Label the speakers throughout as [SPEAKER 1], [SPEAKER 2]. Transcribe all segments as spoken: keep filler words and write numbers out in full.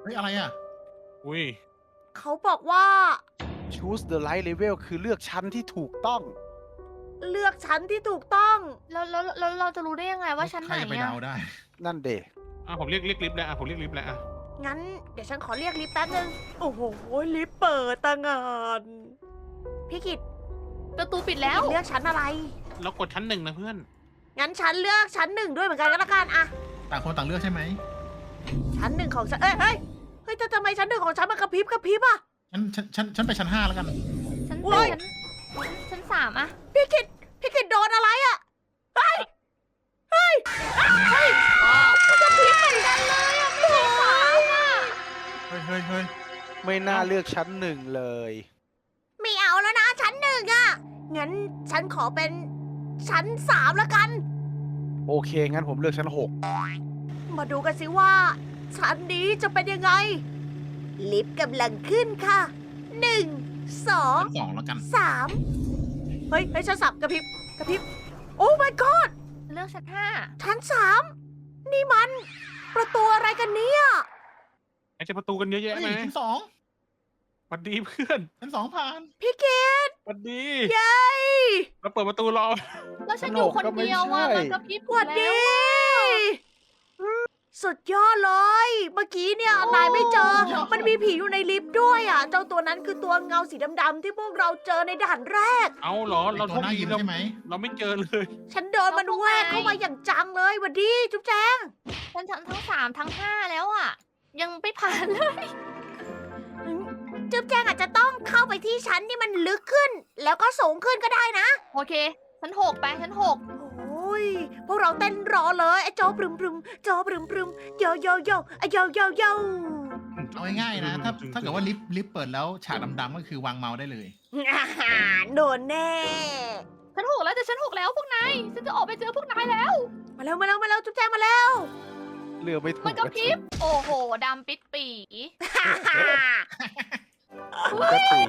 [SPEAKER 1] ฮ้ยอะไรอ่ะ
[SPEAKER 2] อุ้ย
[SPEAKER 3] เขาบอกว่า
[SPEAKER 4] choose the right level คือเลือกชั้นที่ถูกต้อง
[SPEAKER 3] เลือกชั้นที่ถูกต้อง
[SPEAKER 5] แล้วแล้วแล้วเราจะรู้ได้ยังไงว่าชั้นไห
[SPEAKER 1] ใคร
[SPEAKER 5] น
[SPEAKER 1] จะไป
[SPEAKER 5] อะ
[SPEAKER 1] เดาได้
[SPEAKER 4] นั่นเด
[SPEAKER 2] อ่ะผมเรียกเรียกลิฟต์แล้วอ่ะผมเรียกลิฟต์แล้วอ่ะ
[SPEAKER 3] งั้นเดี๋ยวฉันขอเรียกลิฟต์แป๊บนึง โอ้โห ลิฟต์เปิดตั้งงาน พี่กิต
[SPEAKER 5] ประตูปิดแล้ว
[SPEAKER 3] เลือกชั้นอะไร
[SPEAKER 2] แล้วกดชั้นหนึ่งนะเพื่อน
[SPEAKER 3] งั้นฉันเลือกชั้นหนึ่งด้วยเหมือนกันก็แล้วกันอะ
[SPEAKER 1] ต่างคนต่างเลือกใช่ไหม
[SPEAKER 3] ชั้นหนึ่งของฉัน เอ้ยเฮ้ยเฮ้ยแต่ทำไมชั้นหนึ่งของฉันมันกระพริบกระพริบอะ
[SPEAKER 1] ฉันฉันฉันฉันไปชั้นห้าแล้วกัน
[SPEAKER 5] ชั้น
[SPEAKER 3] โอ้ย
[SPEAKER 5] ชั้นชั้นสามอะ
[SPEAKER 3] พี่กิตพี่กิตโดนอะไรอะเฮ้ย เฮ้ยเฮ้ยมันกระพริบเหมือนกันเลยอะไม่ใช่สามอะ
[SPEAKER 1] เฮ้ยเฮ้ยเฮ้ย
[SPEAKER 4] ไม่น่าเลือกชั้นหนึ่งเลย
[SPEAKER 3] ไม่เอาแล้วนะชั้นหนึ่งอะงั้นฉันขอเป็นชั้นสามแล้วกัน
[SPEAKER 4] โอเค งั้นผมเลือกชั้นหก
[SPEAKER 3] มาดูกันสิว่า ชั้นนี้จะเป็นยังไง ลิฟต์กำลังขึ้นค่ะหนึ่งสอง
[SPEAKER 1] ชั้นสองแล้วกัน
[SPEAKER 3] สามเฮ้ยให้ฉันสับกระพริบกระพริบ โอ้ my god
[SPEAKER 5] เลือกชั้นห้า
[SPEAKER 3] ชั้นสามนี่มัน ประตูอะไรกันเนี่ย
[SPEAKER 2] ไอ้เจะประตูกันเยอะแยะ
[SPEAKER 1] เฮ้ย
[SPEAKER 2] ไหม
[SPEAKER 1] ชั้นสอง
[SPEAKER 2] สวัสดีเพื่อน
[SPEAKER 1] ชั้นสองผ่าน
[SPEAKER 3] พี่เกด
[SPEAKER 2] สวัสดี
[SPEAKER 3] เย้
[SPEAKER 2] เราเปิดประตูรอ
[SPEAKER 5] แล้วฉันอยู่คนเดียวอะมันกระพริบ
[SPEAKER 3] สวัสดี สุดยอดเลย เมื่อกี้เนี่ยนายไม่เจอ มันมีผีอยู่ในลิฟต์ด้วยอ่ะ เจ้าตัวนั้นคือตัวเงาสีดำๆที่พวกเราเจอในด่านแรก
[SPEAKER 2] เอาเหรอ เรา
[SPEAKER 1] ตั
[SPEAKER 2] โช
[SPEAKER 1] ว
[SPEAKER 2] ค
[SPEAKER 1] หน้า
[SPEAKER 2] ดี
[SPEAKER 1] ยิ้ม
[SPEAKER 2] เรา
[SPEAKER 1] ใช่ไหม
[SPEAKER 2] เราไม่เจอเลย
[SPEAKER 3] ฉันโดนมันแวกเข้ามาอย่างจังเลยหวัดดีจุ๊บแจง
[SPEAKER 5] ฉันชั้นทั้งสามทั้งห้าแล้วอะยังไม่ผ่านเลย
[SPEAKER 3] จุ๊บแจงอาจจะต้องเข้าไปที่ชั้นที่มันลึกขึ้น แล้วก็สูงขึ้นก็ได้นะ
[SPEAKER 5] โอเคชั้นหกไปชั้นหก
[SPEAKER 3] โอ้ย พวกเราเต้นรอเลยไอ้โจปรึมปรึมโจปรึมปรึมโยโยโยไอ้โยโยโย
[SPEAKER 1] เอาง่ายๆนะ ถ้าถ้าเกิดว่าลิฟต์ลิฟต์เปิดแล้วฉากดำๆก็คือวางเมาส์ได้เลย
[SPEAKER 3] อาหารโดนแน่
[SPEAKER 5] ชั้นหกแล้วจะชั้นหกแล้วพวกนายฉันจะออกไปเจอพวกนายแล้ว
[SPEAKER 3] มาเร็วมาเร็วมาเร็วจุ๊บแจงมาเร็ว
[SPEAKER 4] เลือกไม่ถูก
[SPEAKER 5] มันกระพริบโอ้โหดำปิดปี
[SPEAKER 4] มันก็ถูก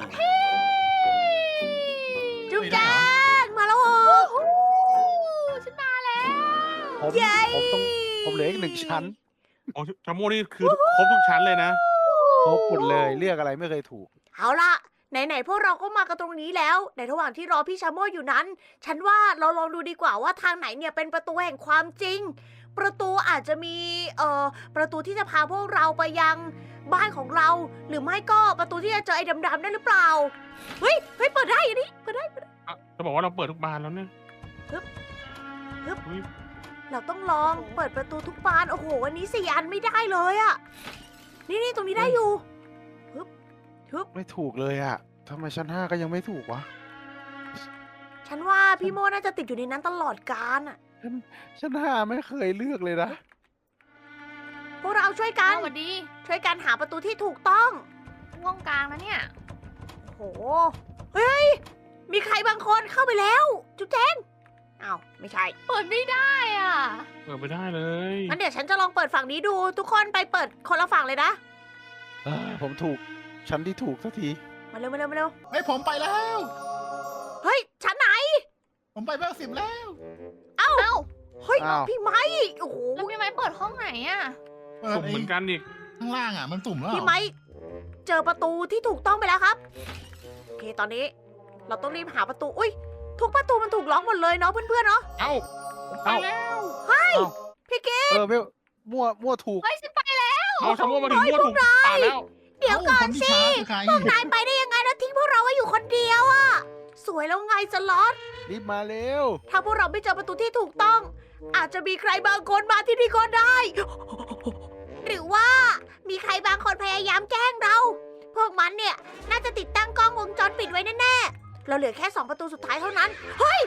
[SPEAKER 3] จุ๊บแจงมาแล้วเหรอ
[SPEAKER 5] โอ้โหฉันมาแล้ว
[SPEAKER 4] ผม
[SPEAKER 3] เย้
[SPEAKER 4] ผมต้องผมเหลืออีกหนึ่งชั้น
[SPEAKER 2] โอ้ชาโมนี่คือครบทุกชั้นเลยนะ
[SPEAKER 4] ครบหมดเลยเลือกอะไรไม่เคยถูก
[SPEAKER 3] เอาล่ะ ไหนๆพวกเราก็มากันตรงนี้แล้ว ในระหว่างที่รอพี่ชาโมอยู่นั้น ฉันว่าเราลองดูดีกว่าว่าทางไหนเนี่ยเป็นประตูแห่งความจริง ประตูอาจจะมีเอ่อประตูที่จะพาพวกเราไปยังบ้านของเรา หรือไม่ก็ประตูที่จะเจอไอ้ดำๆนั่นหรือเปล่า เฮ้ยเฮ้ยเปิดได้อันนี้เปิดได้เปิดได้
[SPEAKER 2] อ่ะจะบอกว่าเราเปิดทุกบานแล้วเนี่ย
[SPEAKER 3] ฮึบฮึบ
[SPEAKER 2] อุ๊ย
[SPEAKER 3] เราต้องลองเปิดประตูทุกบาน โอ้โห วันนี้สี่อันไม่ได้เลยอะนี่นี่ตรงนี้ได้อยู่ฮึบฮึบ
[SPEAKER 4] ไม่ถูกเลยอะทำไมชั้นห้าก็ยังไม่ถูกวะ
[SPEAKER 3] ฉันว่าพี่โมน่าจะติดอยู่ในนั้นตลอดกาลอะ
[SPEAKER 4] ชั้นห้าไม่เคยเลือกเลยนะ
[SPEAKER 3] พวกเราช่วยกัน
[SPEAKER 5] สวัสดี
[SPEAKER 3] ช่วยกันหาประตูที่ถูกต้อง
[SPEAKER 5] ห้องกลางนะเนี่ย
[SPEAKER 3] โอ้โห เฮ้ย มีใครบางคนเข้าไปแล้ว จุ๊บแจงอ้าวไม่ใช่
[SPEAKER 5] เปิดไม่ได้อ่ะ
[SPEAKER 2] เปิดไม่ได้เลย
[SPEAKER 3] งั้นเดี๋ยวฉันจะลองเปิดฝั่งนี้ดู ทุกคนไปเปิดคนละฝั่งเลยนะ
[SPEAKER 4] เอ้ยผมถูก ชั้นที่ถูกสักที
[SPEAKER 3] มาเร็วมาเร็วมาเร็ว
[SPEAKER 1] เฮ้ยผมไปแล้ว
[SPEAKER 3] เฮ้ย ชั้นไหน
[SPEAKER 1] ผมไปเบอร์สิบแล้ว
[SPEAKER 5] เอ้า
[SPEAKER 3] เฮ้ย
[SPEAKER 4] อ้าว
[SPEAKER 3] พี่ไม้โอ้โห
[SPEAKER 5] แล้วพี่ไม้เปิดห้องไหนอ่ะ
[SPEAKER 1] เปิด
[SPEAKER 2] สุ่ม
[SPEAKER 1] ไอ้
[SPEAKER 2] เหมือนกันอีก
[SPEAKER 1] ข้างล่างอ่ะมันตุ่มแล้ว
[SPEAKER 3] พี่ไม้เจอประตูที่ถูกต้องไปแล้วครับ โอเค ตอนนี้ เราต้องรีบหาประตู อุ้ย ทุกประตูมันถูกล็อกหมดเลยเนาะเพื่อนๆเนาะ
[SPEAKER 2] เอ้าไปแล้ว
[SPEAKER 3] พี่เกด
[SPEAKER 4] เออไม่มั่วมั่วถูก
[SPEAKER 5] เฮ้ยฉันไปแล้ว
[SPEAKER 2] เอาชาโมมาถึงมั่วถูกป่าแล้ว
[SPEAKER 3] เดี๋ยวก่อน
[SPEAKER 1] เาค
[SPEAKER 3] สิ
[SPEAKER 1] ที่ช้าคือใคร
[SPEAKER 3] พวกนายไปได้ยังไงแล้วทิ้งพวกเราไว้อยู่คนเดียวอะสวยแล้วไงสล็อต
[SPEAKER 4] รีบมาเร็ว
[SPEAKER 3] ถ้าพวกเราไม่เจอประตูที่ถูกต้อง อาจจะมีใครบางคนมาที่นี่ก็ได้ หรือว่ามีใครบางคนพยายามแกล้งเรา พวกมันเนี่ยน่าจะติดตั้งกล้องวงจรปิดไว้แน่ๆ เราเหลือแค่สองประตูสุดท้ายเท่านั้น เฮ้ย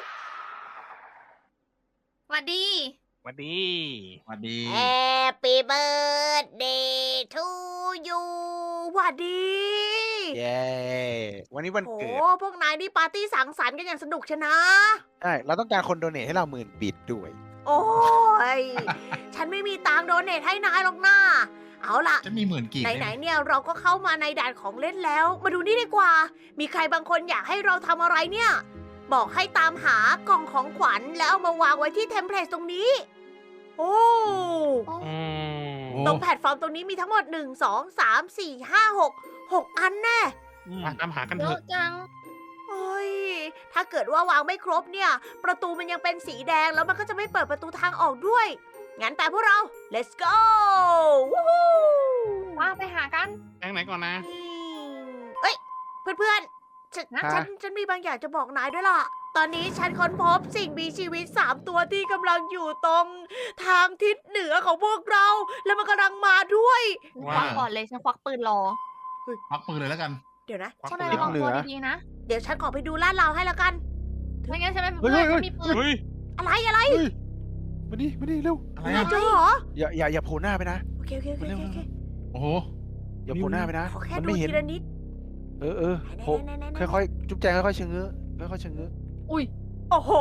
[SPEAKER 5] สวัสดี
[SPEAKER 2] สวัสดี
[SPEAKER 1] สวัสดี
[SPEAKER 3] Happy birthday to you หวัดดี
[SPEAKER 4] เย้วันนี้วัน
[SPEAKER 3] โอ้
[SPEAKER 4] เกิด
[SPEAKER 3] พวกนายนี่ปาร์ตี้สังสรรค์กันอย่างสนุกชนะ
[SPEAKER 4] ใช่เราต้องการคนโดเนทให้เราหมื่นบิตด้วย
[SPEAKER 3] โอ้ย ฉันไม่มีตังค์โดเนทให้นายหรอกนะเอาล่ะ
[SPEAKER 1] จะมีหมื่นกีบ
[SPEAKER 3] ไหนๆเนี่ยเราก็เข้ามาในด่านของเล่นแล้ว มาดูนี่ดีกว่า มีใครบางคนอยากให้เราทำอะไรเนี่ย บอกให้ตามหากล่องของขวัญแล้วเอามาวางไว้ที่เทมเพลตตรงนี้ โอ้
[SPEAKER 2] อืม
[SPEAKER 3] ตรงแพลตฟอร์มตรงนี้มีทั้งหมดหนึ่ง สอง สาม สี่ ห้า หก หกอันแน่
[SPEAKER 2] มาตามหากัน
[SPEAKER 5] เย
[SPEAKER 2] เถ
[SPEAKER 5] อะ
[SPEAKER 2] อะ
[SPEAKER 5] จัง
[SPEAKER 3] โอ้ย ถ้าเกิดว่าวางไม่ครบเนี่ย ประตูมันยังเป็นสีแดงแล้วมันก็จะไม่เปิดประตูทางออกด้วย งั้นแต่พวกเรา let's go วู้ฮู้
[SPEAKER 5] ว่าไปหากัน
[SPEAKER 2] แองไหนก่อนนะ
[SPEAKER 3] เอ้ย เพื่อนๆฉัน
[SPEAKER 5] ฮะ
[SPEAKER 3] ฉันฉันมีบางอย่างจะบอกนายด้วยล่ะ ตอนนี้ฉันค้นพบสิ่งมีชีวิตสามตัวที่กำลังอยู่ตรงทางทิศเหนือของพวกเรา แล้วมันกำลังมาด้วย
[SPEAKER 5] ควักก่อนเลยฉันควักปืนรอ
[SPEAKER 1] พักปืนเลยแล้วกัน
[SPEAKER 3] เดี๋ยวนะ
[SPEAKER 2] ควัก
[SPEAKER 5] พวก
[SPEAKER 2] ปื
[SPEAKER 5] นาย
[SPEAKER 2] น
[SPEAKER 5] ระวัง
[SPEAKER 4] เหนื
[SPEAKER 5] ตัว
[SPEAKER 4] อ
[SPEAKER 5] ดีๆนะ
[SPEAKER 3] เดี๋ยวฉันขอไปดูลาดเราให้แล้วกัน
[SPEAKER 5] ไม่งั้นฉันไม่
[SPEAKER 4] เฮ้
[SPEAKER 5] เพื่
[SPEAKER 4] ย
[SPEAKER 5] อน
[SPEAKER 4] เฮ้ย
[SPEAKER 5] ฉันมีปืน
[SPEAKER 2] เฮ้ย
[SPEAKER 3] อะไรอะไร
[SPEAKER 4] เฮ้ยมานี่มานี่เร็ว
[SPEAKER 1] อะไร
[SPEAKER 3] นาย
[SPEAKER 1] อ่ะ
[SPEAKER 3] เจอเหรอ
[SPEAKER 4] อย่าอย่าอย่าโผล่หน้าไปนะ
[SPEAKER 3] โอเคโอเคโอเคโอเคโอเค
[SPEAKER 1] โอ้โห
[SPEAKER 4] อย่าโผล่หน้าไปนะ
[SPEAKER 3] ขอแค่
[SPEAKER 4] มัน
[SPEAKER 3] ดู
[SPEAKER 4] ไม่เห็น
[SPEAKER 3] ทีละนิด
[SPEAKER 4] เออเออโผล่
[SPEAKER 3] ไหนๆๆๆๆ
[SPEAKER 4] ค่อยๆจุ๊บแจงค่อยๆเชงเง้อค่อยๆเชงเง้อ
[SPEAKER 5] อุ้ย
[SPEAKER 3] โอ้โห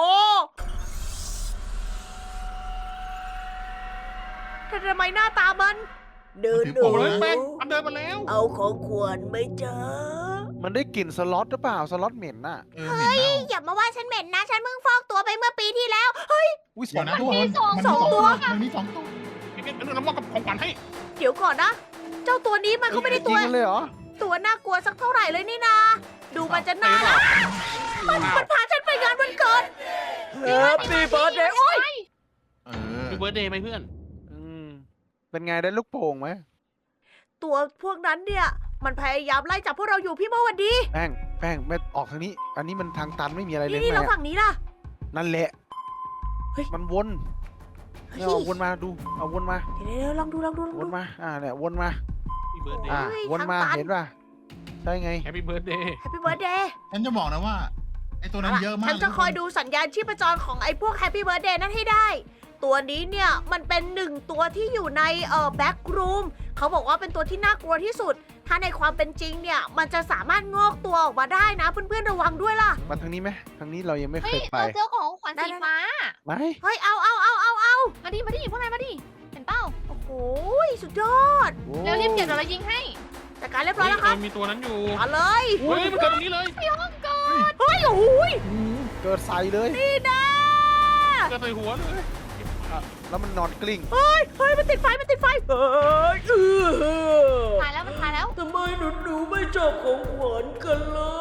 [SPEAKER 3] ทำไมหน้าตามัน เดิน
[SPEAKER 1] ถือ
[SPEAKER 3] ดู
[SPEAKER 1] โป่ง
[SPEAKER 2] โอ้
[SPEAKER 1] เลย ย
[SPEAKER 2] แป้งมันเดินมาแล้ว
[SPEAKER 3] เอาของขวัญไม่เจอ
[SPEAKER 4] มันได้กลิ่นสล็อตหรือเปล่าสล็อตเหม็นน่ะ
[SPEAKER 1] เออเหม็นเน่า
[SPEAKER 3] อย่ามาว่าฉันเหม็นนะ ฉันเพิ่งฟอกตัวไปเมื่อปีที่แล้ว
[SPEAKER 4] อุ้ยส
[SPEAKER 1] เดี๋
[SPEAKER 4] อย ง
[SPEAKER 1] วนะ
[SPEAKER 4] ตั
[SPEAKER 1] ทุ
[SPEAKER 4] ว
[SPEAKER 1] กคน
[SPEAKER 3] สอง
[SPEAKER 1] มัน
[SPEAKER 3] ส
[SPEAKER 1] มี
[SPEAKER 3] อง
[SPEAKER 1] สอง
[SPEAKER 3] ตั
[SPEAKER 1] ตัว วมันมีสองตัว
[SPEAKER 2] พี่เกดเรามอบกับของขวัญให้
[SPEAKER 3] เดี๋ยวก่อนนะ เจ้าตัวนี้มันก็ไม่ได้ตัว
[SPEAKER 4] ยิงกันเลยเหรอ
[SPEAKER 3] ตัวน่ากลัวสักเท่าไหร่เลยนี่นา ดูมันจะน่ารักมันมันพาฉันไปงานวันเกิด Happy birthday โอ้ย
[SPEAKER 1] เออ
[SPEAKER 2] มีเบิร์ดเดย์ไหมเพื่อน
[SPEAKER 4] อืมเป็นไงได้ลูกโป่งไหม
[SPEAKER 3] ตัวพวกนั้นเนี่ย มันพยายามไล่จับพวกเราอยู่พี่โมวันดี
[SPEAKER 4] แป้งแป้งไม่ออกทางนี้ อันนี้มันทางตันไม่มีอะไรเลย
[SPEAKER 3] นี่นี่
[SPEAKER 4] แม่
[SPEAKER 3] เราฝั่งนี้ล่ะ
[SPEAKER 4] นั่นแหละ
[SPEAKER 3] เฮ้ย
[SPEAKER 4] มันวน
[SPEAKER 3] เฮ้ย
[SPEAKER 4] เนี่ยเอาวนมาดูเอาวนมา
[SPEAKER 3] เดี๋ยวๆลองดูลองดูลอง
[SPEAKER 4] ว
[SPEAKER 3] ดู
[SPEAKER 4] นมาอ่าเนี่ยวนมา
[SPEAKER 2] มีเบิร์ดเด
[SPEAKER 4] อ่า
[SPEAKER 2] ย์
[SPEAKER 3] เฮ้ย
[SPEAKER 4] วนมา
[SPEAKER 3] ทางตัน
[SPEAKER 4] เห็นป่ะใช่ไง
[SPEAKER 2] แฮปปี้เบิร์ดเดย์
[SPEAKER 3] Happy birthday
[SPEAKER 1] ฉันจะบอกนะว่าไอตัวนั้นเยอะมาก
[SPEAKER 3] ฉันจะคอยดูสัญญาณชีพจรของไอ้พวก Happy birthday นั้นให้ได้ ตัวนี้เนี่ย มันเป็นหนึ่งตัวที่อยู่ในเอ่อแบ็กรูมเขาบอกว่าเป็นตัวที่น่ากลัวที่สุด ถ้าในความเป็นจริงเนี่ย มันจะสามารถงอกตัวออกมาได้นะ เพื่อนๆระวังด้วยล่ะ
[SPEAKER 4] มาทางนี้ไหมทางนี้เรายังไม่เค
[SPEAKER 5] เฮ้ย
[SPEAKER 4] ยไป
[SPEAKER 5] เราเจอของขวัญสีฟ้า
[SPEAKER 4] ไหม
[SPEAKER 3] เฮ้ย เอาเอาเอาเอาเอา
[SPEAKER 5] มาดิ มาดิ พวกนายมาดิ เห็นเป้า
[SPEAKER 3] โอ้โหสุดยอด
[SPEAKER 4] โอ้
[SPEAKER 5] เร็วรีบเก็บเดี๋ยวเรายิงให้
[SPEAKER 3] จัดการเรียบร้อยแล้วครับ
[SPEAKER 2] มีตัวนั้นอยู่
[SPEAKER 3] มาเลย
[SPEAKER 2] เฮ้ยมันเกิดตรงนี้เลย
[SPEAKER 3] เฮ้ยโอ้โห
[SPEAKER 4] เกิดใส่เลย
[SPEAKER 3] นี่นะ
[SPEAKER 2] เกิดใส่หัวเลย
[SPEAKER 4] อ่ะแล้วมันนอนกลิ้ง
[SPEAKER 3] เฮ้ยเฮ้ยมันติดไฟมันติดไฟเฮ้ยเออ
[SPEAKER 5] ตายแล้วมันตายแล้ว
[SPEAKER 3] ทำไมหนูหนูไม่ชอบของขวัญกันเล่า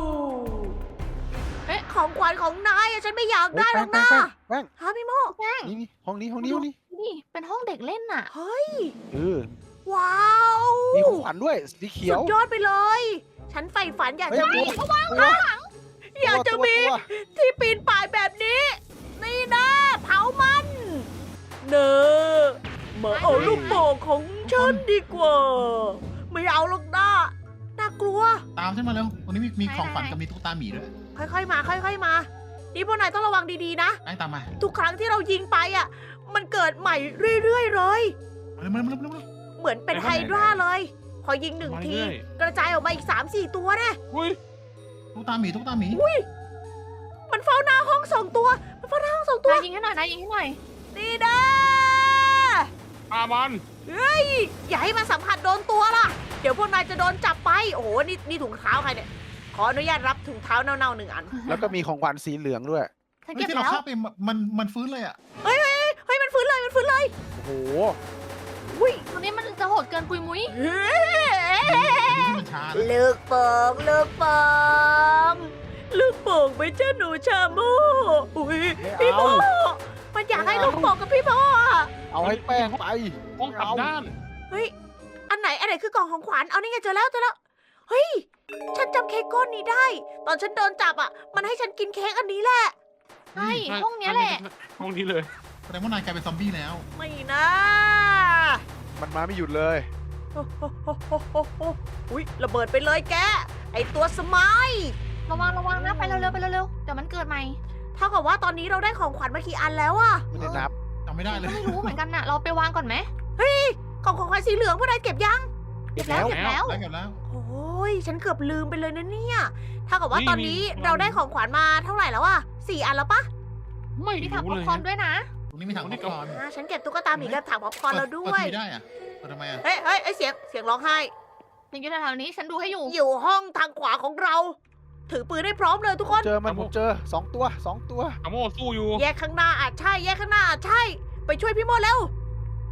[SPEAKER 5] เอ๊ะ
[SPEAKER 3] ของขวัญของนายอะฉันไม่อยาก
[SPEAKER 4] เฮ้ย
[SPEAKER 3] ได้หร
[SPEAKER 4] แป้
[SPEAKER 3] อง ก
[SPEAKER 4] แป้
[SPEAKER 3] นะ
[SPEAKER 4] งแป้ง
[SPEAKER 3] ฮะพี่โม
[SPEAKER 5] แป้ง
[SPEAKER 4] นี่นี่ห้องนี้ห้องนี้ห้องนี้
[SPEAKER 5] นี่เป็นห้องเด็กเล่นน่ะ
[SPEAKER 3] เฮ้ย
[SPEAKER 4] เออ
[SPEAKER 3] ว้าว
[SPEAKER 4] มีของขวัญด้วยสีเขีย
[SPEAKER 3] สุ
[SPEAKER 4] ว
[SPEAKER 3] ดยอดไปเลย ฉันใฝ่ฝันอยาก
[SPEAKER 4] เฮ้ย
[SPEAKER 3] จะมี
[SPEAKER 4] ตัวตัว
[SPEAKER 3] อยากจะมี
[SPEAKER 4] ตัว
[SPEAKER 3] ที่ปีนป่ายแบบนี้ นี่นะเผามันเนอมาเอาลูกโป่งของฉันดีกว่า ไม่เอาหรอกนะน่ากลัว
[SPEAKER 1] ตามฉันมาเร็วตรงนี้มีมี
[SPEAKER 5] ไหน
[SPEAKER 1] ของฝัน
[SPEAKER 5] ไหน
[SPEAKER 1] กับมีตุ๊กตาหมีด้วย
[SPEAKER 3] ค่อยๆมา ค่อยๆมา นี่พวกนายต้องระวังดีๆนะ
[SPEAKER 1] แป้งตามมา
[SPEAKER 3] ทุกครั้งที่เรายิงไปอ่ะ มันเกิดใหม่เรื่อยๆเลย
[SPEAKER 1] เร็วๆเร็วๆเร็วๆเร็ว
[SPEAKER 3] เหมือนเป็นไฮดราเลย พอยิงหนึ่งที กระจายออกมาอีกสามสี่ตัวนะ
[SPEAKER 2] อุ้ย
[SPEAKER 1] ๆตุ๊กตาหมีตุ๊กตาหมี
[SPEAKER 3] มันเฝ้าหน้าห้องสองตัว มันเฝ้าหน้าห้องสองตัว
[SPEAKER 5] นายยิงให้หน่อยนายยิงให้หน่อย
[SPEAKER 3] นี่นะ
[SPEAKER 2] อามัน
[SPEAKER 3] อย่าให้มันสัมผัสโดนตัวล่ะ เดี๋ยวพวกนายจะโดนจับไป โอ้โห นี่นี่ถุงเท้าใครเนี่ย ขออนุญาตรับถุงเท้าเน่าๆหนึ่งอัน
[SPEAKER 4] แล้วก็มีของขวัญสีเหลืองด้วย
[SPEAKER 5] ฉัน
[SPEAKER 1] เฮ้ย
[SPEAKER 5] เก็บ
[SPEAKER 1] ที่เรา
[SPEAKER 5] แล้ว
[SPEAKER 1] ฆ่าไปมันมันฟื้นเลยอ่ะ
[SPEAKER 3] เฮ้ย มันฟื้นเลย มันฟื้นเลย
[SPEAKER 4] โอ้โห
[SPEAKER 3] อุ้ย
[SPEAKER 5] ตัวนี้มันจะโหดเกินปุยมุ้ย
[SPEAKER 3] เฮ้ย
[SPEAKER 1] ดีที่มันช้านะ
[SPEAKER 3] ลูกโป่งลูกโป่งลูกโป่งไปเจ้าหนูชาโมอุ้ย
[SPEAKER 4] ไม่
[SPEAKER 3] พี่โม
[SPEAKER 4] เอา
[SPEAKER 3] มันอยากให้ลูกโป่งกับพี่โมอะ
[SPEAKER 4] เอาให้แป้งไป
[SPEAKER 2] ห้องกลับด้าน
[SPEAKER 3] เฮ้ย อันไหน อันไหนคือกล่องของขวัญ เอานี่ไงเจอแล้วเจอแล้ว เฮ้ย ฉันจำเค้กก้อนนี้ได้ ตอนฉันโดนจับอ่ะ มันให้ฉันกินเค้กอันนี้แหละ
[SPEAKER 5] ใช่ห้องเนี้ยแหละ
[SPEAKER 2] ห้องนี้เลย
[SPEAKER 1] แสดงว่านายกลายเป็นซอมบี้แล้ว
[SPEAKER 3] ไม่นะ
[SPEAKER 4] มันมาไม่หยุดเลย
[SPEAKER 3] โอ้โหโหโหโหโหอุ้ยระเบิดไปเลยแก ไอตัวสมาย
[SPEAKER 5] ระวังระวังนะไปเร็วๆไปเร็วๆเดี๋ยวมันเกิดใหม่
[SPEAKER 3] เท่ากับว่าตอนนี้เราได้ของขวัญมากี่อันแล้วอะ
[SPEAKER 4] ไม่ได้นับ
[SPEAKER 1] จำไม่ได้เล
[SPEAKER 5] ก็
[SPEAKER 1] ย
[SPEAKER 5] ไม่รู้เหมือนกันน่ะ เราไปวางก่อนไหม
[SPEAKER 3] กล่องของขวัญสีเหลืองพวกนายเก็บยัง
[SPEAKER 5] เก็บแล้วเก็บแล้ว
[SPEAKER 1] ได้กันแล้ว
[SPEAKER 3] โอ้ย ฉันเกือบลืมไปเลยนะเนี่ยเท่ากับว่า
[SPEAKER 2] นี่
[SPEAKER 3] ตอนนี้
[SPEAKER 2] มี
[SPEAKER 3] เราได้ของขวัญมาเท่าไหร่แล้วอะสี่อันแล้วปะ
[SPEAKER 2] ไม่
[SPEAKER 5] มีถัง
[SPEAKER 2] รู้
[SPEAKER 5] ป๊อ
[SPEAKER 2] เล
[SPEAKER 5] ป
[SPEAKER 2] ย
[SPEAKER 5] คอร์นด้วยนะ
[SPEAKER 1] ตรงนี้มีถัง
[SPEAKER 2] โอ้
[SPEAKER 1] ป๊
[SPEAKER 2] นี่
[SPEAKER 1] อป
[SPEAKER 2] ก็
[SPEAKER 1] คอร์น
[SPEAKER 3] อ่าฉันเก็บตุ๊กตาหมีกับถังป๊อปคอร์นแล้วด้ว
[SPEAKER 1] เปิ
[SPEAKER 3] ย
[SPEAKER 1] ทีได้อะเปิดทำไมอะ
[SPEAKER 3] เฮ้ยเฮ้ยเอ้ยเสียงเสียงร้องไห้
[SPEAKER 5] ยังอยู่แถวๆนี้ฉันดูให้อยู่
[SPEAKER 3] อยู่ห้องทางขวาของเรา ถือปืนได้พร้อมเลยทุกคน
[SPEAKER 4] เจอมันผมเจอสองตัวสองตัว
[SPEAKER 2] อาโมสู้อยู่
[SPEAKER 3] แยกข้างหน้าอาจใช่ แยกข้างหน้าอาจใช่ ไปช่วยพี่โมดเร็ว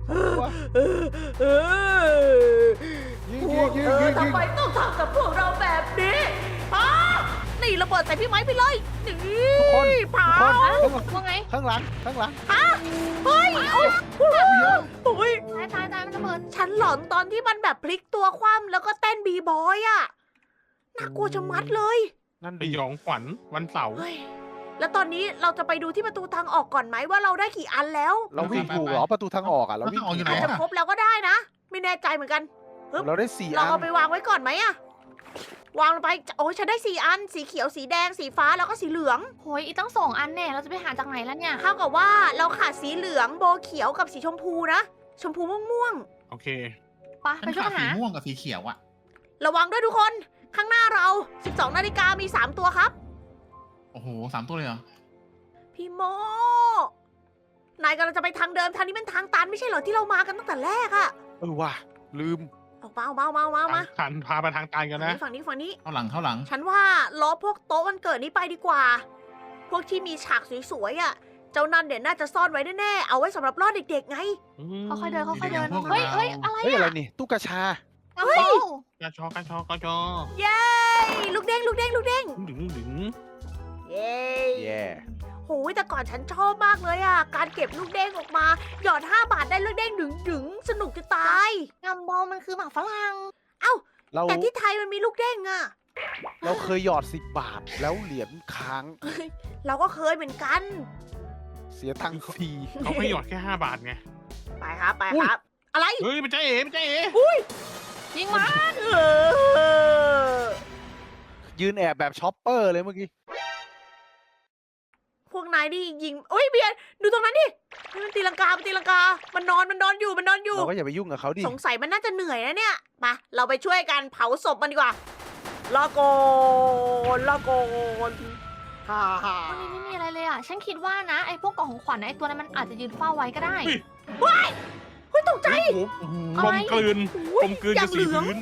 [SPEAKER 3] เออเออ
[SPEAKER 4] ยิง
[SPEAKER 3] พ
[SPEAKER 4] ยิ
[SPEAKER 3] ว
[SPEAKER 4] ง
[SPEAKER 3] ก
[SPEAKER 4] ยิง
[SPEAKER 3] เธอ
[SPEAKER 4] ยิงยิง
[SPEAKER 3] ทำไมต้องทำกับพวกเราแบบนี้ฮะนี่ระเบิดใส่พี่ไม้ไปเลยนี่
[SPEAKER 4] ทุกคน
[SPEAKER 3] เผา
[SPEAKER 4] ทุกคน
[SPEAKER 5] ว่าไง
[SPEAKER 4] ข้างหลังข้างหลัง
[SPEAKER 3] ฮะเฮ้ยโอ้ยโอ้ย
[SPEAKER 5] ตายตายตายมันระเบิด
[SPEAKER 3] ฉันหลอนตอนที่มันแบบพลิกตัวคว่ำแล้วก็เต้นบีบอยอะน่ากลัวจะมัดเลย
[SPEAKER 4] นั่น
[SPEAKER 2] ส
[SPEAKER 4] ดิ
[SPEAKER 2] ยองขวัญวันเสาร์
[SPEAKER 3] เฮ้ยแล้วตอนนี้เราจะไปดูที่ประตูทางออกก่อนไหมว่าเราได้กี่อันแล้ว
[SPEAKER 4] เราวิ่งถูกเหรอประตูทางออกอ่ะเราวิ่ง
[SPEAKER 1] ทางออกอยู่ไหน
[SPEAKER 3] อาจจะครบแล้วก็ได้นะ ไม่แน่ใจเหมือนกัน
[SPEAKER 4] เราได้สี่
[SPEAKER 3] เรา
[SPEAKER 4] อัน
[SPEAKER 3] เอาไปวางไว้ก่อนไหมอะวางลงไปโอ้ยฉันได้สี่อัน สีเขียวสีแดงสีฟ้าแล้วก็สีเหลือง
[SPEAKER 5] โหยอีกตั้งสองอันแน่เราจะไปหาจากไหนแล้วเนี่ย
[SPEAKER 3] เท่ากับว่าเราขาดสีเหลืองโบเขียวกับสีชมพูนะชมพูม่วง
[SPEAKER 2] โอเค
[SPEAKER 5] ไป
[SPEAKER 1] ฉั
[SPEAKER 5] ไป
[SPEAKER 1] น
[SPEAKER 5] ช่วย
[SPEAKER 1] ขาด
[SPEAKER 5] กัน
[SPEAKER 1] สี
[SPEAKER 5] หา
[SPEAKER 1] ม่วงกับสีเขียวอะ
[SPEAKER 3] ๆระวังด้วยทุกคนข้างหน้าเรา สิบสองนาฬิกามีสามตัวครับ
[SPEAKER 1] โอ้โหสามตัวเลยเหรอ
[SPEAKER 3] พี่โม นายกำลังจะไปทางเดิมทางนี้เป็นทางตันไม่ใช่เหรอที่เรามากันตั้งแต่แรกอะ
[SPEAKER 4] เออว่ะลืม
[SPEAKER 3] ออกมาออกมาออกมาออกมาออกมา
[SPEAKER 2] ขันพาไปทางตายกันนะ
[SPEAKER 3] ฝั่งนี้ฝั่งนี้
[SPEAKER 1] เข้าหลังเข้าหลัง
[SPEAKER 3] ฉันว่าล้อพวกโต๊ะวันเกิดนี้ไปดีกว่า พวกที่มีฉากสวยๆอะเจ้านั่นเดี๋ยวน่าจะซ่อนไว้แน่ๆเอาไว้สำหรับล่อเด็กๆไง
[SPEAKER 5] ค่อยๆเดินค่อยๆเดิน
[SPEAKER 1] พวกเรา
[SPEAKER 5] เฮ้ยเฮ้ยอะไร
[SPEAKER 4] เฮ้ยอะไร
[SPEAKER 5] อ่ะ
[SPEAKER 4] นี่ตู้กระชา
[SPEAKER 5] กระเป๋าก
[SPEAKER 2] ระชอกระชอกระชอ
[SPEAKER 3] เย้ลูกเด้งลูกเด้งลูกเด้ง
[SPEAKER 2] ดึงดึง
[SPEAKER 3] เย้
[SPEAKER 4] แย่
[SPEAKER 3] โหยแต่ก่อนฉันชอบมากเลยอะการเก็บลูกเด้งออกมา หยอดห้าบาทได้ลูกเด้งดึงๆสนุกจะตาย
[SPEAKER 5] กัมบอลมันคือหมากฝรั่ง
[SPEAKER 4] เรา
[SPEAKER 3] แต่ที่ไทยมันมีลูกเด้งอะ
[SPEAKER 4] เราเคยหยอดสิบบาทแล้วเหรียญค้าง
[SPEAKER 3] เราก็เคยเหมือนกัน
[SPEAKER 4] เสียตังค์ฟรี
[SPEAKER 2] เขาให้หยอดแค่ห้าบาทไง
[SPEAKER 3] ไปครับไปครับ อะไร
[SPEAKER 2] เฮ้ยมันใจเอ๋มันใจเอ๋
[SPEAKER 5] ยิงมา
[SPEAKER 3] เออ
[SPEAKER 4] ยืนแอบแบบช็อปเปอร์เลยเมื่อกี้
[SPEAKER 3] พวกนายนี่ยิงโอ้ยเบียร์ดูตรงนั้นดินี่มันตีลังกามันตีลังกา มันนอนมันนอนอยู่มันนอนอยู่
[SPEAKER 4] เราก็อย่าไปยุ่งกับเขาดิ
[SPEAKER 3] สงสัยมันน่าจะเหนื่อยนะเนี่ยมาเราไปช่วยกันเผาศพมันดีกว่าลาโกนลาโกนฮ่าฮ่า
[SPEAKER 5] วันนี้ไม่มีอะไรเลยอ่ะ ฉันคิดว่านะไอ้พวกกล่องของขวัญไอ้ตัวนั้นมันอาจจะยืนเฝ้าไว้ก็ได้
[SPEAKER 3] เฮ้ยตกใจ
[SPEAKER 2] โอ้โหก
[SPEAKER 5] อะ
[SPEAKER 2] ล
[SPEAKER 5] ไร
[SPEAKER 2] มกลืน
[SPEAKER 3] อุ๊
[SPEAKER 2] ก
[SPEAKER 3] ย
[SPEAKER 2] ลมกลืน
[SPEAKER 3] อย่า
[SPEAKER 2] กับ
[SPEAKER 3] ง
[SPEAKER 2] สี
[SPEAKER 3] เหลือง
[SPEAKER 2] พื้น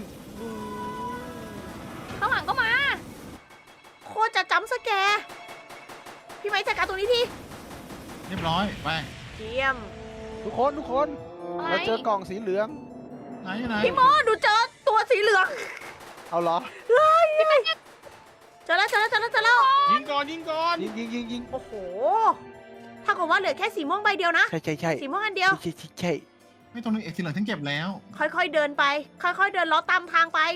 [SPEAKER 5] ข้างหลังก็มา
[SPEAKER 3] โคตรจะจ้ำสแกร์พี่ไม้จัดการตรงนี้ที
[SPEAKER 1] เรียบร้อยไป
[SPEAKER 3] เยี่ยม
[SPEAKER 4] ทุกคนทุกคน
[SPEAKER 5] อะไร
[SPEAKER 4] เราเจอกล่องสีเหลือง
[SPEAKER 1] ไหนไหน
[SPEAKER 3] พี่โมดูเจอตัวสีเหลือง
[SPEAKER 4] เอาเหรอ
[SPEAKER 3] เจอแล้วเจอแล้วเจอแล้วเจอแล้ว
[SPEAKER 2] ยิงก่อนยิงก่อน
[SPEAKER 4] ยิงยิงยิงยิง
[SPEAKER 3] โอ้โหถ้ากับว่าเหลือแค่สีม่วงใบเดียวนะ
[SPEAKER 4] ใช่ใช่ใช่
[SPEAKER 3] สีม่วงอันเดียว
[SPEAKER 4] ใช่ใช่ใช่
[SPEAKER 1] ไม่ตรงนี้เอกสีเหลืองฉันเก็บแล้ว
[SPEAKER 3] ค่อยๆเดินไป ค่อยๆเดินล้อตามทางไป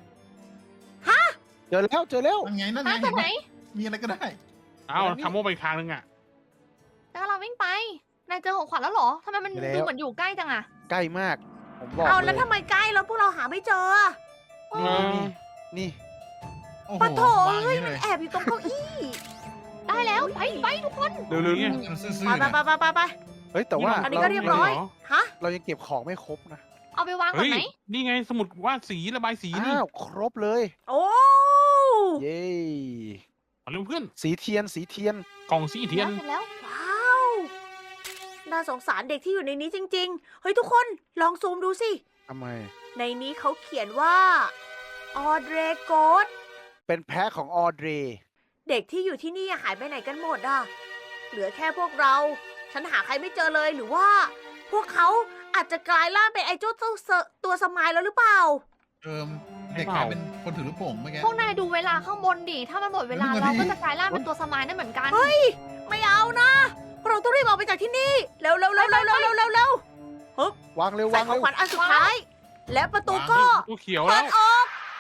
[SPEAKER 4] เจอแล้วเจอแล้ว
[SPEAKER 1] นั่นไงนั่นไง
[SPEAKER 5] หาตรงไหน
[SPEAKER 1] มีอะไรก็ได้
[SPEAKER 2] เอาทำโม่ไปอีกทางนึงอ่ะ
[SPEAKER 5] แล้วเราวิ่งไป นายเจอของขวัญแล้วเหรอทำไมมันดูเหมือนอยู่ใกล้จังอะ
[SPEAKER 4] ใกล้มาก ผมบอก
[SPEAKER 3] เอา
[SPEAKER 4] เล
[SPEAKER 3] แล้ว
[SPEAKER 4] ย
[SPEAKER 3] ทำไมใกล้แล้วพวกเราหาไม่เจออะ
[SPEAKER 2] เออ
[SPEAKER 4] นี่
[SPEAKER 1] โอ้โห
[SPEAKER 3] ปะโถ
[SPEAKER 1] วางอ
[SPEAKER 3] เอ้ย
[SPEAKER 1] ย่าง
[SPEAKER 3] มั
[SPEAKER 1] นี้
[SPEAKER 3] น
[SPEAKER 1] เลย
[SPEAKER 3] แอบอยู่ตรงเก้าอี้
[SPEAKER 5] ได้แล้วไปไปทุกคน
[SPEAKER 4] เร็วเร็ว
[SPEAKER 2] เนี่ย
[SPEAKER 1] มันซื่อ
[SPEAKER 3] ไป
[SPEAKER 1] ๆ
[SPEAKER 3] ไป
[SPEAKER 1] นะ
[SPEAKER 3] ไปไปไปไป
[SPEAKER 4] เฮ้ยแต่ว่า
[SPEAKER 3] อันนี้ก็เรียบร้อย ฮะ
[SPEAKER 4] เรายังเก็บของไม่ครบนะ
[SPEAKER 5] เอาไปวางก่อ
[SPEAKER 2] เฮ้
[SPEAKER 5] น
[SPEAKER 2] ย
[SPEAKER 5] ไหม
[SPEAKER 2] นี่ไงสมุดวาดสีระบายสีนี่
[SPEAKER 4] อ้าวครบเลย
[SPEAKER 3] โอ้
[SPEAKER 4] เย้
[SPEAKER 2] เอาเร็วเพื่อน
[SPEAKER 4] สีเทียนสีเทียน
[SPEAKER 2] กล่องสีเทียน
[SPEAKER 5] เสร็จแล้ว
[SPEAKER 3] ว้าวน่าสงสารเด็กที่อยู่ในนี้จริง ๆ เฮ้ยทุกคนลองซูมดูสิ
[SPEAKER 4] ทำไม
[SPEAKER 3] ในนี้เขาเขียนว่าออเดรโกด
[SPEAKER 4] เป็นแพ้ของออเดร
[SPEAKER 3] เด็กที่อยู่ที่นี่หายไปไหนกันหมดอ่ะ เหลือแค่พวกเรา ฉันหาใครไม่เจอเลยหรือว่า พวกเขาอาจจะกลายร่างเป็นไอ้เจ้าเจ้าเซอตัวสมายแล้วหรือเปล่า
[SPEAKER 1] เออเด็กกลายเป็นคนถือลูกโป่งเมื่อกี้
[SPEAKER 5] พวกนายดูเวลาข้างบนดิ ถ้ามันหมดเวลา
[SPEAKER 1] เฮ้ย
[SPEAKER 5] เรา
[SPEAKER 1] มัน
[SPEAKER 5] ก็
[SPEAKER 1] ดี
[SPEAKER 5] จะกลายร่างเป็นตัวสมายนั่นเหมือนกัน
[SPEAKER 3] เฮ้ย ไม่เอานะ เราต้องรีบออกไปจากที่นี่ เร็วเร็วเร็วเร็วเร็วเร็วเร็วเร็ว
[SPEAKER 4] วางเร็ว
[SPEAKER 3] ใส่
[SPEAKER 4] วาง
[SPEAKER 3] ของ
[SPEAKER 4] เร็ว
[SPEAKER 3] ขวัญอันสุดท้าย และประตูก็
[SPEAKER 2] ตัวเขียว
[SPEAKER 3] เปิ
[SPEAKER 2] แล้
[SPEAKER 3] ด
[SPEAKER 2] ว
[SPEAKER 3] ออก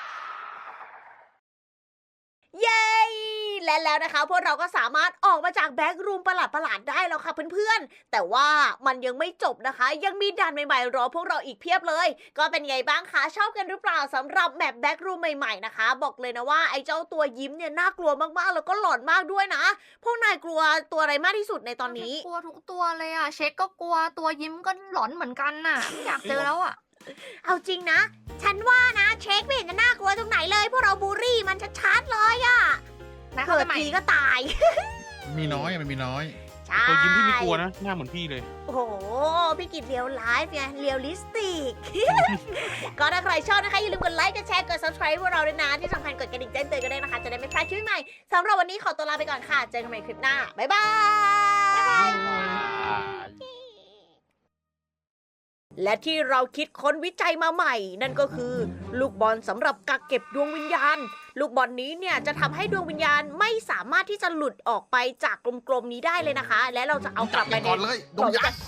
[SPEAKER 3] เย้ และแล้วนะคะพวกเราก็สามารถออกมาจากแบ็กรูมประหลาดๆได้แล้วค่ะเพื่อนๆ แต่ว่ามันยังไม่จบนะคะ ยังมีด่านใหม่ๆรอพวกเราอีกเพียบเลย ก็เป็นไงบ้างคะ ชอบกันหรือเปล่าสำหรับแมปแบ็กรูมใหม่ๆนะคะ บอกเลยนะว่าไอ้เจ้าตัวยิ้มเนี่ยน่ากลัวมากๆ แล้วก็หลอนมากด้วยนะ พวกนายกลัวตัวอะไรมากที่สุดในตอนนี้
[SPEAKER 5] กลัวทุกตัวเลยอ่ะ เช็คก็กลัว ตัวยิ้มก็หลอนเหมือนกันน่ะไม่อยากเจอแล้วอ่ะ
[SPEAKER 3] เอาจริงนะ ฉันว่านะเช็คไม่เห็นจะน่ากลัวตรงไหนเลย พวกเราบูลลี่มันชัดๆเลยอะ
[SPEAKER 5] นะ
[SPEAKER 3] เกิ
[SPEAKER 5] เข้า
[SPEAKER 3] ด
[SPEAKER 5] ไปใหม่
[SPEAKER 3] ทีก็ตาย
[SPEAKER 1] มีน้อยอะมันมีน้อย
[SPEAKER 3] ใช่
[SPEAKER 2] ตัวยิ้มที่ไม่กลัวนะ หน้าเหมือนพี่เลย
[SPEAKER 3] โอ้โห พี่กิจเรียวไลฟ์ไงเรียลลิสติก ก็ถ้าใครชอบนะคะ อย่าลืมกดไลค์กดแชร์กด subscribe พวกเราด้วยนะ ที่สำคัญกดกระดิ่งแจ้งเตือนกันด้วยนะคะ จะได้ไม่พลาดคลิปใหม่สำหรับวันนี้ขอตัวลาไปก่อนค่ะ เจอกันใหม่คลิปหน้า บ๊ายบายและที่เราคิดค้นวิจัยมาใหม่ นั่นก็คือ ลูกบอลสำหรับกักเก็บดวงวิญญาณ ลูกบอลนี้เนี่ยจะทำให้ดวงวิญญาณไม่สามารถที่จะหลุดออกไปจากกลมๆนี้ได้เลยนะคะ และเราจะเอากลับไปใน
[SPEAKER 1] ก่อนเลยดวงวิญญาณ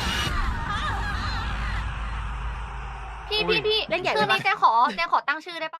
[SPEAKER 5] พี่พี่พี่
[SPEAKER 3] เล่นใหญ่
[SPEAKER 5] ชื่อ
[SPEAKER 3] ไปปะ
[SPEAKER 5] นี้เจ๊ขอเจ๊ขอตั้งชื่อได้ปะ